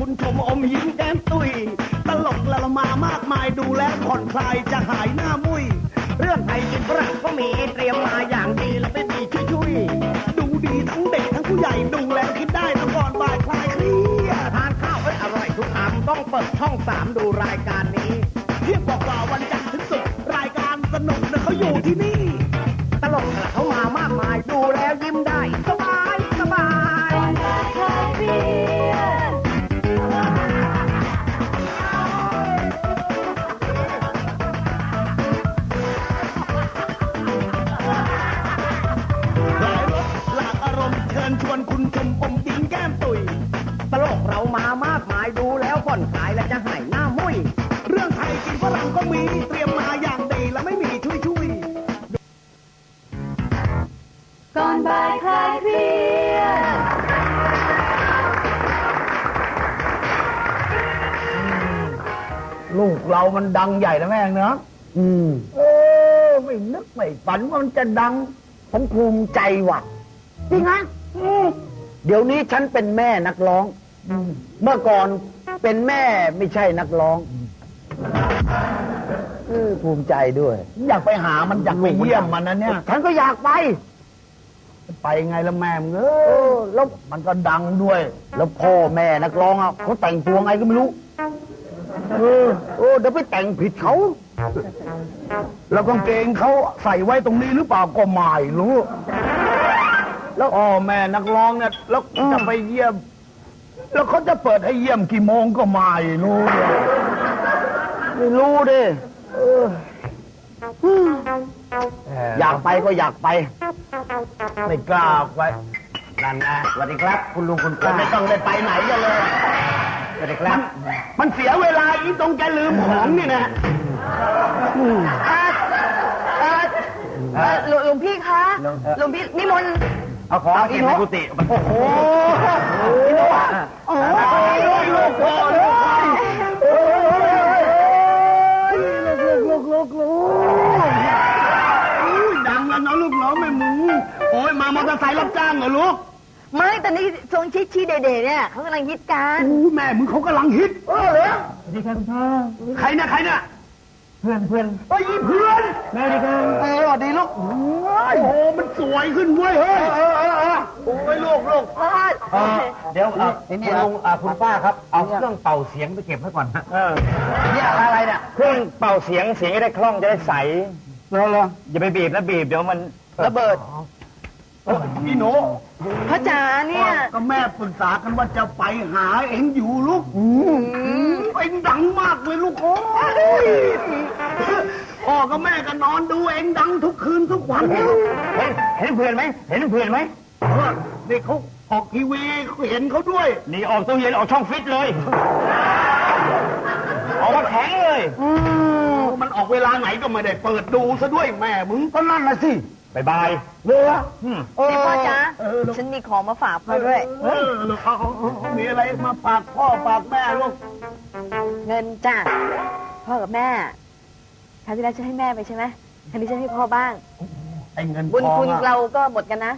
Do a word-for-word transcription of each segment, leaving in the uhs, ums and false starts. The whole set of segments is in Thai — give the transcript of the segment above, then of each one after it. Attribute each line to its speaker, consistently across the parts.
Speaker 1: คุณชมอมยิ้มแก้มตุยตลกละละมามากมายดูแล้วผ่อนคลายจะหายหน้ามุยเรื่องไทยกินฝรั่งก็มีเตรียมมาอย่างดีแล้วไม่มีช่วยๆดูดีทั้งเด็กทั้งผู้ใหญ่ดูแล้วคิดได้นะก่อนบ่ายคลายเครียดทานข้าวให้อร่อยทุกคำต้องเปิดช่องสามดูรายการนี้เที่ยงกว่าวันจันทร์ถึงศุกร์รายการสนุกนะเขาอยู่ที่นี่ตลกเขามามากมายดูแล้วยิ้มได้สบายสบายคลายเครียดเชิญชวนคุณชมอมยิ้มแก้มตุยตลกเรามามากมายดูแล้วผ่อนคลายและจะหายหน้ามุ้ยเรื่องไทยกินฝรั่งก็มีเตรียมมาอย่างดีและไม่มีช่วยช่วย
Speaker 2: ก่อนบ่ายคลายเครียด
Speaker 1: ลูกเรามันดังใหญ่นะแม่เนาะอืมเออไม่นึกไม่ฝันว่ามันจะดังผมภูมิใจว่ะจริงฮะเดี๋ยวนี้ฉันเป็นแม่นักร้องเมื่อก่อนเป็นแม่ไม่ใช่นักร้องภูมิใจด้วยอยากไปหามันอยากไปเยี่ยมมันนะเนี่ยฉันก็อยากไปไปไงละแม่เออแล้วมันก็ดังด้วยแล้วพ่อแม่นักร้องอ่ะเขาแต่งตัวไงก็ไม่รู้เออโอ้เดี๋ยวไปแต่งผิดเขาแล้วกางเกงเขาใส่ไว้ตรงนี้หรือเปล่าก็ไม่รู้แล้วอ๋อแม่นักร้องเนี่ยแล้วจะไปเยี่ยมแล้วเขาจะเปิดให้เยี่ยมกี่โมงก็ไม่รู้เลยไม่รู้ดิอยากไปก็อยากไปไม่กล้าไปนั่นนะสวัสดีครับคุณลุงคุณป้าไม่ต้องได้ไปไหนกันเลยสวัสดีครับมันเสียเวลาอีตรงแกลืมของนี่นะ
Speaker 2: หลวงพี่คะหลวงพี่นิมนต์
Speaker 1: เอาของเก็บในกุฏิโอ้โหโอ้ยลูกลูกพ่อลูกลูกลูกลูกดังแล้วเนาะลูกเนาะแม่มึงโอ้ยมามอเตอร์ไซค์รับจ้างเหรอลูก
Speaker 2: ไม่แต่นี่ทรงชี้ชี้เด่ๆเนี่ยเขากำลังฮิตกัน
Speaker 1: โอ้แม่มึงเขากำลังฮิตเออเหรอสวัสดีครับคุณพ่อใครเนี่ยใครเนี่ยเพื่อนเพื่อนเฮ้ยเพื่อนแม่ดีกันเออสวัสดีลูกโอ้โหมันสวยขึ้นเว้ยเฮ้ยเออเออเออโอ้ยลูกลูก
Speaker 3: เดี๋ยวคุณลุงคุณป้าครับเอาเครื่องเป่าเสียงไปเก็บให้ก่อนฮะ
Speaker 1: เนี่ยอะไรเนี่ย
Speaker 3: เครื่องเป่าเสียงเสียงจะได้คล่องจะได้ใสแล้วเหรออย่าไปบีบนะบีบเดี๋ยวมัน
Speaker 2: ระเบิด
Speaker 1: พี่โน
Speaker 2: พ่อจ๋าเนี่ย
Speaker 1: ก็แม่ปรึกษากันว่าจะไปหาเอ็งอยู่ลูกเอ็งดังมากเลยลูกโอ้ยพ่อกับแม่ก็นอนดูเอ็งดังทุกคืนทุกวัน
Speaker 3: เห็นเพื่อนไหมเห็นเพื่อนไหม
Speaker 1: นี่เขาออกทีวีเห็นเขาด้วย
Speaker 3: นี่ออกตู้เย็นออกช่องฟิตเลยออกมาแข็งเลย
Speaker 1: มันออกเวลาไหนก็ไม่ได้เปิดดูซะด้วยแม่มึงก็นั่นน่ะสิ
Speaker 3: บายบาย
Speaker 1: เรือ
Speaker 2: นี่พ่อจ๋าฉันมีของมาฝากพ่อด้วย
Speaker 1: เออลูกเขามีอะไรมาฝากพ่อฝากแม่ลูก
Speaker 2: เงินจ้ะพ่อกับแม่ครั้งที่แล้วฉันให้แม่ไปใช่ไหมครั้งนี้ฉันให้พ่อบ้าง
Speaker 1: ไอ้เงิน
Speaker 2: บุญคุณเราก็หมดกันนะ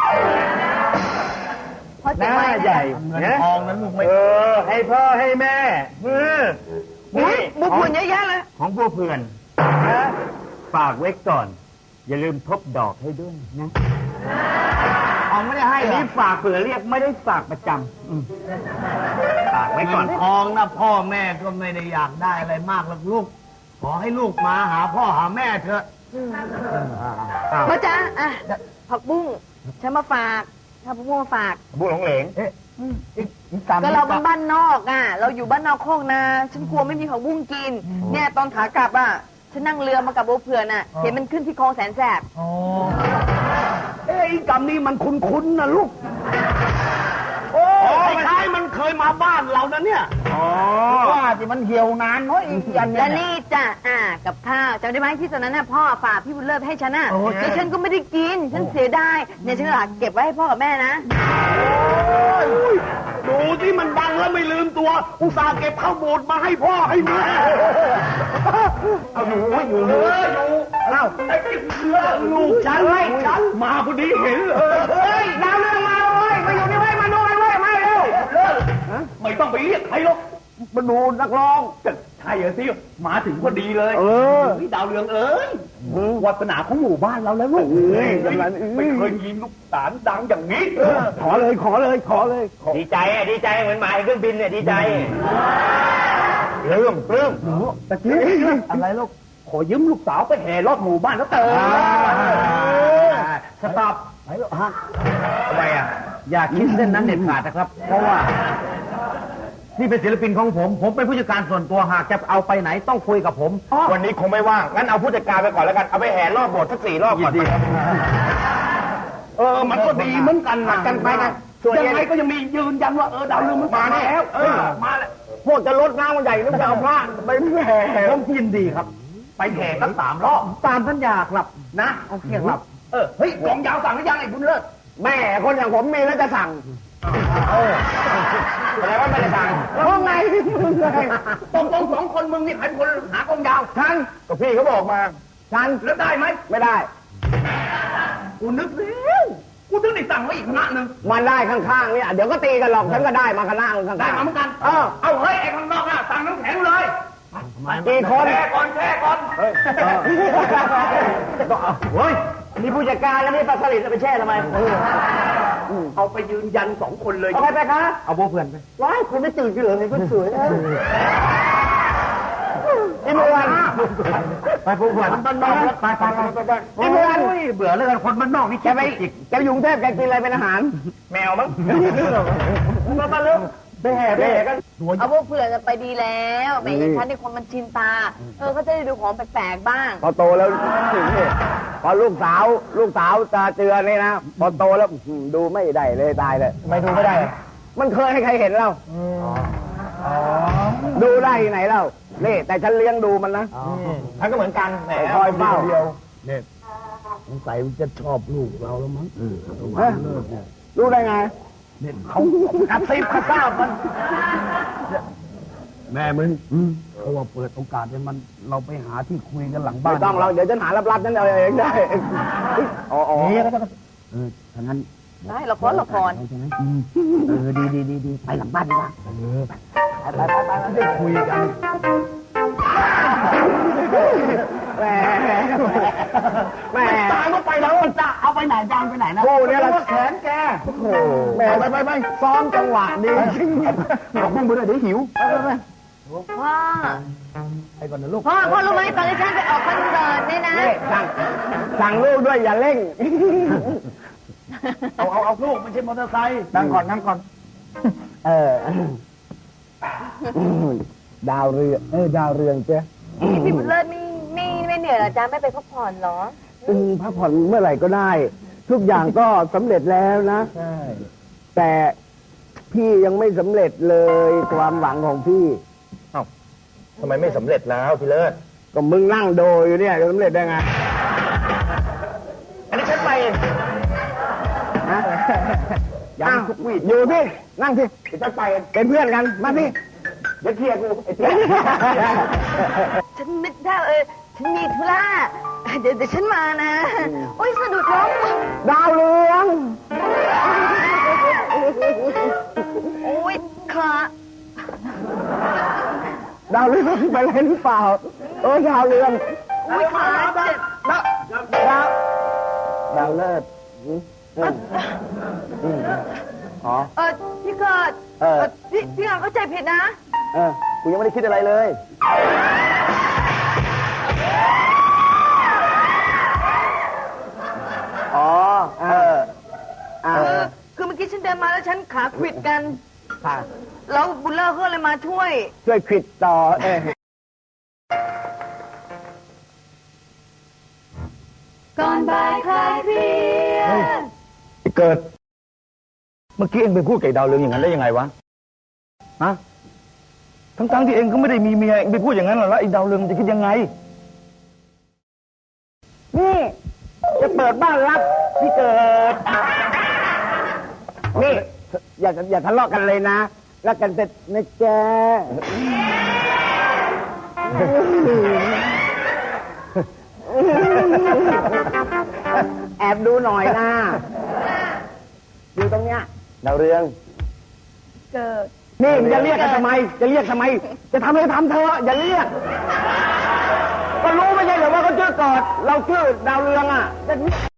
Speaker 3: พ่อจ๋าใหญ่
Speaker 1: เงินทองนั้นลูกไม่
Speaker 3: เออให้พ่อให้แม่เออ
Speaker 2: นี่บุญคุณเยอะแยะเลย
Speaker 3: ของพวกเพื่อนฝากไว้ก่อนอย่าลืมทบดอกให้ด้วยนะ
Speaker 1: เอาไม่ได้ให้
Speaker 3: นี่ฝากเผื่อเรียกไม่ได้ฝากประจำฝากไว้ก่อน
Speaker 1: ทองนะพ่อแม่ก็ไม่ได้อยากได้อะไรมากหรอกลูกขอให้ลูกมาหาพ่อหาแม่เถอะ
Speaker 2: พ่อจ๋าอ่ะผักบุ้งฉันมาฝากถ้าผักบุ้งมาฝาก
Speaker 3: บุ้งหลงเหลง
Speaker 2: ก็เราเป็นบ้านนอกอ่ะเราอยู่บ้านนอกโคกนาฉันกลัวไม่มีผักบุ้งกินเนี่ยตอนขากลับอ่ะฉันนั่งเรือมากับโบเพื่อนน่ะเห็นมันขึ้นที่คลองแสนแสบ
Speaker 1: เอ้ยกำนี้มันคุ้นๆนะลูกโอ้ยคล้ายมันเคยมาบ้านเรานะเนี่ยว่าที่มันเหี่ยวนานน้อยอีกอย่าง
Speaker 2: นี้แล้วนี่จ้ะอ่ากับข้าวจำได้ไหมที่ตอนนั้นน่ะพ่อฝากพี่บุญเลิศให้ฉันน่ะแล้วฉันก็ไม่ได้กินฉันเสียดายเนี่ยฉันก็เก็บไว้ให้พ่อกับแม่นะ
Speaker 1: ดูที่มันดังแล้วไม่ลืมตัวอุตส่าห์เก็บข้าวบูดมาให้พ่อให้แม่เอาอยู่อยู่เลยอยู่เล่าลูกฉันไว้ฉันมาพอดีเห็นเลยเฮ้ยดาวเรืองมาเลยมาอยู่นี่ไว้มาดูกันไว้มาเร็ว
Speaker 4: เลิกไม่ต้องไปเรียกใครหรอก
Speaker 1: มาดูนักร้อง
Speaker 4: จะใช่เหรอสิมาถึงพอดีเลย
Speaker 1: เออ
Speaker 4: ฮ้ยดาวเรืองเอ้ยวาสนาของหมู่บ้านเราแล้วลูก
Speaker 1: เอ้ยอย่างนั้น
Speaker 4: ไม่เคยยินลูกสารดังอย่างนี้
Speaker 1: ขอเลยขอเลยขอเลยขอ
Speaker 3: ดีใจอ่ะดีใจเหมือนหมายเครื่องบินเนี่ยดีใจ
Speaker 1: เริ่มเริ่มตะกี้อะไรลูก
Speaker 4: ขอยืมลูกสาวไปแห่รอบหมู่บ้านแล้วเติม
Speaker 1: สต็อปไหนลูกฮะทำไมอ่ะอย่าคิดเส้นนั้นเด็ดขาดนะครับ เพราะว่า นี่เป็นศิลปินของผม ผมเป็นผู้จัดการส่วนตัวหากจะเอาไปไหนต้องคุยกับผม
Speaker 3: วันนี้คงไม่ว่างงั้นเอาผู้จัดการไปก่อนแล้วกันเอาไปแห่รอบโบสถ์สักสี่รอบก่อน
Speaker 4: เออมันก็ดีเหมือนกันนะ
Speaker 1: กันไปกัน
Speaker 4: ยังไงก็ยังมียืนยันว่าเออดาวเรืองมันมาแล้วเออมาแล้ว
Speaker 1: พวกจะลดน้ำมันใหญ่ต้องจะเอาพระไปแห่ผมยินดีครับ
Speaker 4: ไปแห่ตั้งสามรอบ
Speaker 1: ตามสัญญาครับ
Speaker 4: นะ
Speaker 1: โอเคครับ
Speaker 4: เออเฮ้ยกองยาวสั่งหรือยังไอ้บุญเลิศ
Speaker 1: แม่คนอย่างผมมีแล้วจะสั่ง
Speaker 3: แสดงว่าไม่ได้สั่ง
Speaker 1: เพราะไงมึงไง
Speaker 4: ตรงตรงสองคนมึงนี่ใครเป็นคนหากองยาว
Speaker 1: ฉัน
Speaker 3: ก็พี่เขาบอกมา
Speaker 1: ฉัน
Speaker 4: แล้วได้ไหม
Speaker 1: ไม่ได้
Speaker 4: กูนึกแล้วกูถึงได้สั่งไว้อีกคณะหนึ่ง
Speaker 1: มันได้ข้างๆเนี่ยเดี๋ยวก็ตีกันหรอกฉันก็ได้มาคณะข้างๆ
Speaker 4: ได้มาเหมือนกัน
Speaker 1: เออ
Speaker 4: เอาเฮ้ยไอ้ข้างนอกน่ะสั่งน้ำแข็งเลย
Speaker 1: กี่คน
Speaker 4: แช่ก่อนแช่ก่อน
Speaker 1: เฮ้ยมีผู้จัดการแล้วนี่ปลาสลิดจะไปแช่ทำไม
Speaker 4: เอาไปยืนยันสองคนเลย
Speaker 1: เอาไปไปคะเอาโบเพื่อนไปว้ายคุณไม่ตื่นกันเหรอไงคุณสวยไอ้เมื่อวันไปพวกเพื่อนบ้านนอกไปไปไปไปไอ้เมื่อวันเบื่อแล้วกันคนบ้านนอกนี่แกไปแกอยู่กรุงเทพแกกินอะไรเป็นอาหาร
Speaker 3: แมวมั้ง
Speaker 1: มามาเร็วไปแห่ไปแห่กัน
Speaker 2: เอาพวกเผื่อจะไปดีแล้วแหมอย่างฉันในคนมันชินตา เออก็จะได้ดูของแปลกๆบ้าง
Speaker 1: พอโตแล้วถึงเนี่ยพอลูกสาวลูกสาวตาเจือนี่นะพอโตแล้วดูไม่ได้เลยตายเลยไม่ดูไม่ได้ มันเคยให้ใครเห็นเราดูได้ที่ไหนเล่านี่แต่ฉันเลี้ยงดูมันนะ
Speaker 3: ท่านก็เหมือนกันแหม
Speaker 1: คอยเฝ้า
Speaker 5: เนี่ยสงสัยมันจะชอบลูกเราแล้วมั้ง
Speaker 1: ฮะรู้ได้ไง
Speaker 5: เนี่ย
Speaker 1: เขากระซิบกระซาบมัน
Speaker 5: แม่มึงเพราะว่าเปิดโอกาสให้มันเราไปหาที่คุยกันหลังบ้า
Speaker 1: ไม่
Speaker 5: น
Speaker 1: ต้องเราเดี๋ยวฉันหาลับๆนั่นเอาเองได้อ๋ออ๋อ
Speaker 5: เออถ้างั้น
Speaker 2: ได้ละครละคร
Speaker 5: ใช่ไหมเออดีดีดีดีไปหลังบ้านดีกว่าเออ
Speaker 1: ไปไปไปได้คุยกันแหมแหมตายก็ไปแล้วจะเอาไปไหนจางไปไหนนะโอ้เนี่ยละแขนแกโอ้โหแหมไปไปไปซ้อมจังหวะดีเอาพุ่งไปเลยเดี๋ยวหิวไปไปไป
Speaker 2: พ่อ
Speaker 1: ไปก่อนนะลูก
Speaker 2: พ่อพ่อรู้ไหมตอนที่ฉันไปออกคอนเสิร์ตเนี่ยนะ
Speaker 1: สั่งสั่งลูกด้วยอย่าเร่ง
Speaker 4: เอาเอาเอาลูกไม่ใช่มอเตอร์ไซค์
Speaker 1: นั่งก่อนนั่งก่อน เออ ดาวเรืองเออดาวเรืองเจ้
Speaker 2: พี่บุญเลิศไม่ไม่ไม่เหนื่อยเหรอจ๊ะไม่ไปพักผ่อนเหรอ
Speaker 1: อืมพักผ่อนเมื่อไหร่ก็ได้ ทุกอย่างก็สำเร็จแล้วนะ
Speaker 5: ใช่
Speaker 1: แต่พี่ยังไม่สำเร็จเลยความหวังของพี่
Speaker 3: ทำไมไม่สำเร็จแล้วพี่เลิศ
Speaker 1: ก็มึงนั่งโดยอยู่เนี่ยจะสำเร็จได้ไง
Speaker 3: อันนี้ฉันไปเอง
Speaker 1: ฮะยังทุกวีอยู่ที่นั่งที่จะไปเป็นเพื่อนกันมาที่เดี๋ยวเคลียร์กูไอ้เตี้ย
Speaker 2: ฉันนึกได้เออฉันมีธุระเดี๋ยวเดี๋ยวฉันมานะ โอ้ยสะดุดล้ม
Speaker 1: ดาวเรือง
Speaker 2: โอ้ยขา
Speaker 1: ดาวเรืองไปอะไรหรือเปล่าเออดาวเรือง
Speaker 2: โอ้ยขาเจ็บ
Speaker 1: ดาวดาวดาวเลิศอืมอืมอืมอ๋อ
Speaker 2: เออพี่เกิด
Speaker 1: เออ
Speaker 2: พี่พี่เกิดเข้าใจผิดนะ
Speaker 1: เออกูยังไม่ได้คิดอะไรเลย อ๋อ เอออ่า
Speaker 2: เออ คือเมื่อกี้ฉันเดินมาแล้วฉันขาขวิดกัน
Speaker 1: ค่ะ
Speaker 2: แล้วบุญเลิศก็เลยมาช่วย
Speaker 1: ช่วยขิดต่อ เออ
Speaker 2: ก่อนบ่ายคลายเครียด
Speaker 1: เกิด เมื่อกี้เองไปพูดกับดาวเรืองอย่างนั้นได้ยังไงวะ ฮะ ทั้งๆที่เองก็ไม่ได้มีเมียเองไปพูดอย่างนั้นหรอแล้วไอ้ดาวเรืองจะคิดยังไง นี่ จะเปิดบ้านรับพี่เกิด นี่ อย่าอย่าทะเลาะกันเลยนะ รักกันเสร็จนะจ๊ะแอบดูหน่อยนะอยู่ตรงเนี้ยดาวเรือง
Speaker 2: เกิด
Speaker 1: นี่จะเรียกกันทำไม จะเรียกทำไม จะทำอะไรทำเธอะอย่าเรียก ก็รู้ไม่ใช่เหรอว่าเขาชื่อกอด เราชื่อดาวเรืองอ่ะจะเรียก